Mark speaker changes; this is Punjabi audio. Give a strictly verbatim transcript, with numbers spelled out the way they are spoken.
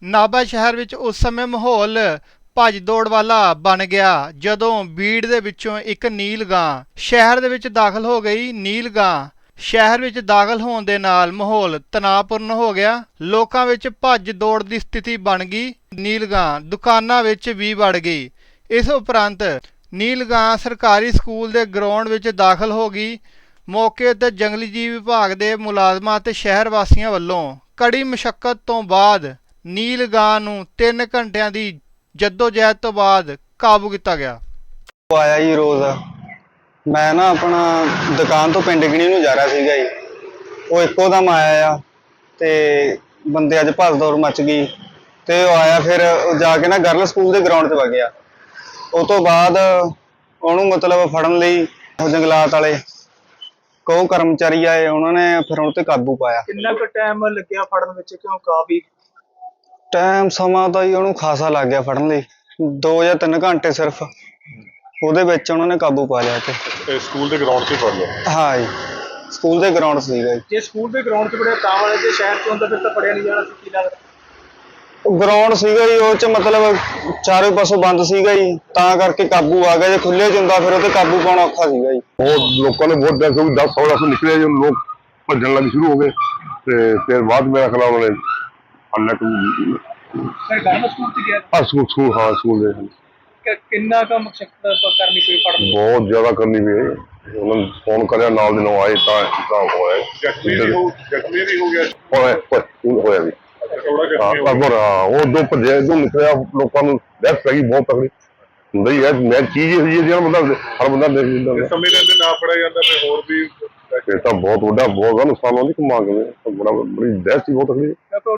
Speaker 1: ਨਾਭਾ ਸ਼ਹਿਰ ਵਿੱਚ ਉਸ ਸਮੇਂ ਮਾਹੌਲ ਭੱਜ ਦੌੜ ਵਾਲਾ ਬਣ ਗਿਆ ਜਦੋਂ ਬੀੜ ਦੇ ਵਿੱਚੋਂ ਇੱਕ ਨੀਲ ਗਾਂ ਸ਼ਹਿਰ ਦੇ ਵਿੱਚ ਦਾਖਲ ਹੋ ਗਈ। ਨੀਲ ਗਾਂ ਸ਼ਹਿਰ ਵਿੱਚ ਦਾਖਲ ਹੋਣ ਦੇ ਨਾਲ ਮਾਹੌਲ ਤਣਾਅਪੂਰਨ ਹੋ ਗਿਆ। ਲੋਕਾਂ ਵਿੱਚ ਭੱਜ ਦੌੜ ਦੀ ਸਥਿਤੀ ਬਣ ਗਈ। ਨੀਲ ਗਾਂ ਦੁਕਾਨਾਂ ਵਿੱਚ ਵੀ ਵੜ ਗਈ। ਇਸ ਉਪਰੰਤ ਨੀਲ ਗਾਂ ਸਰਕਾਰੀ ਸਕੂਲ ਦੇ ਗਰਾਊਂਡ ਵਿੱਚ ਦਾਖਲ ਹੋ ਗਈ। ਮੌਕੇ ਉੱਤੇ ਜੰਗਲੀ ਜੀਵ ਵਿਭਾਗ ਦੇ ਮੁਲਾਜ਼ਮਾਂ ਅਤੇ ਸ਼ਹਿਰ ਵਾਸੀਆਂ ਵੱਲੋਂ ਕੜੀ ਮੁਸ਼ੱਕਤ ਤੋਂ ਬਾਅਦ ਨੀਲ ਗਾਂ ਨੂੰ ਤਿੰਨ ਘੰਟਿਆਂ ਦੀ ਜੱਦੋ-ਜਹਿਦ ਤੋਂ ਬਾਅਦ ਕਾਬੂ ਕੀਤਾ ਗਿਆ।
Speaker 2: ਉਹ ਆਇਆ ਜੀ ਰੋਜ਼ ਮੈਂ ਨਾ ਆਪਣਾ ਦੁਕਾਨ ਤੋਂ ਪਿੰਡ ਗਿਣੀ ਨੂੰ ਜਾ ਰਿਹਾ ਸੀਗਾ ਜੀ। ਉਹ ਇੱਕੋ ਦਮ ਆਇਆ ਆ ਤੇ ਬੰਦੇ ਅੱਜ ਭੱਜ ਦੌੜ ਮਚ ਗਈ ਤੇ ਉਹ ਆਇਆ ਫਿਰ ਜਾ ਕੇ ਨਾ ਗਰਲ ਸਕੂਲ ਦੇ ਗਰਾਊਂਡ 'ਤੇ ਵਗ ਗਿਆ। ਉਹ ਤੋਂ ਬਾਅਦ ਉਹਨੂੰ ਮਤਲਬ ਫੜਨ ਲਈ ਉਹ ਜੰਗਲਾਤ ਵਾਲੇ ਕੋ ਕਰਮਚਾਰੀ ਆਏ, ਉਹਨਾਂ ਨੇ ਫਿਰ ਉਹ 'ਤੇ ਕਾਬੂ ਪਾਇਆ।
Speaker 3: ਕਿੰਨਾ ਕੁ ਟਾਈਮ ਲੱਗਿਆ ਫੜਨ ਵਿੱਚ? ਕਿਉਂ ਕਾਫੀ
Speaker 2: ਟਾਈਮ ਸਮਾਂ ਤਾਂ ਜੀ ਉਹਨੂੰ ਖਾਸਾ ਲੱਗ ਗਿਆ ਫੜਨ ਲਈ, ਦੋ ਜਾਂ ਤਿੰਨ ਘੰਟੇ ਸਿਰਫ ਉਹਦੇ ਵਿੱਚ ਉਹਨਾਂ ਨੇ ਕਾਬੂ ਪਾ ਲਿਆ। ਤੇ
Speaker 4: ਸਕੂਲ ਦੇ ਗਰਾਊਂਡ 'ਤੇ ਫੜ ਲਿਆ?
Speaker 2: ਹਾਂ ਜੀ, ਸਕੂਲ ਦੇ ਗਰਾਊਂਡ ਸੀਗਾ ਜੀ।
Speaker 3: ਜੇ ਸਕੂਲ ਦੇ ਗਰਾਊਂਡ 'ਚ ਫੜਿਆ ਤਾਂ ਵਾਲੇ ਤੇ ਸ਼ਹਿਰ 'ਚ ਹੁੰਦਾ ਫਿਰ ਤਾਂ ਫੜਿਆ ਨਹੀਂ ਜਾਣਾ ਸੀ, ਕੀ ਲੱਗਦਾ?
Speaker 2: ਗਰਾਊਂਡ ਸੀਗਾ ਜੀ, ਉਹ 'ਚ ਮਤਲਬ ਚਾਰੇ ਪਾਸੋਂ ਬੰਦ ਸੀਗਾ ਜੀ, ਤਾਂ ਕਰਕੇ ਕਾਬੂ ਆ ਗਿਆ। ਜੇ ਖੁੱਲੇ 'ਚ ਹੁੰਦਾ ਫਿਰ ਉਹ 'ਤੇ ਕਾਬੂ ਪਾਉਣਾ ਔਖਾ ਸੀਗਾ ਜੀ।
Speaker 4: ਬਹੁਤ ਲੋਕਾਂ ਨੇ ਬਹੁਤ ਡਰ ਕਿਉਂਕਿ ਦਸ ਸੌ ਨਿਕਲੇ ਜਦੋਂ ਲੋਕ ਭੱਜਣ ਲੱਗ ਸ਼ੁਰੂ ਹੋ ਗਏ ਤੇ ਫਿਰ ਬਾਅਦ ਮੇਰਾ ਖਿਆਲ ਉਹਨਾਂ ਨੇ ਹੱਲਕ
Speaker 3: ਫਿਰ ਗਰਮ ਸਕੂਲ 'ਚ ਗਿਆ?
Speaker 4: ਹਾਂ ਸਕੂਲ ਸਕੂਲ ਹਾਂ ਸਕੂਲ ਦੇ
Speaker 3: ਕਿ ਕਿੰਨਾ ਕੁ ਮੁਸ਼ੱਕਤ ਕਰਨੀ ਪਈ ਫੜਨ?
Speaker 4: ਬਹੁਤ ਜ਼ਿਆਦਾ ਕਰਨੀ ਪਈ। ਉਹਨਾਂ ਨੂੰ ਫੋਨ ਕਰਿਆ, ਨਾਲ ਦੇ ਨਾਲ ਆਏ ਤਾਂ ਤਾਂ ਹੋਇਆ। ਜ਼ਖਮੀ ਵੀ ਹੋ ਜ਼ਖਮੀ ਵੀ ਹੋ ਗਿਆ ਹੋਇਆ ਹੋਇਆ ਵੀ ਹਾਂ। ਉਹ ਦੋ ਭੱਜੇ ਦੋ ਨਿਕਲਿਆ, ਲੋਕਾਂ ਨੂੰ ਡੈਥ ਪੈ ਗਈ ਬਹੁਤ ਤਕੜੀ ਹੁੰਦਾ ਹੀ ਹੈ। ਮੈਂ ਚੀਜ਼ ਹੋਈ ਹੈ ਜਿਹੜਾ ਬੰਦਾ ਹਰ ਬੰਦਾ ਦੇਖ ਲੈਂਦਾ। ਸਮੇਂ ਦੇ ਨਾ ਫੜਿਆ ਜਾਂਦਾ ਫਿਰ ਹੋਰ ਵੀ ਇਹ ਤਾਂ ਬਹੁਤ ਵੱਡਾ ਬਹੁਤ ਨੁਕਸਾਨ ਹੋਣੀ ਕਿ ਮੰਗ ਬੜਾ ਬੜੀ ਡੈਥ ਸੀ ਬਹੁਤ ਤਕੜੀ।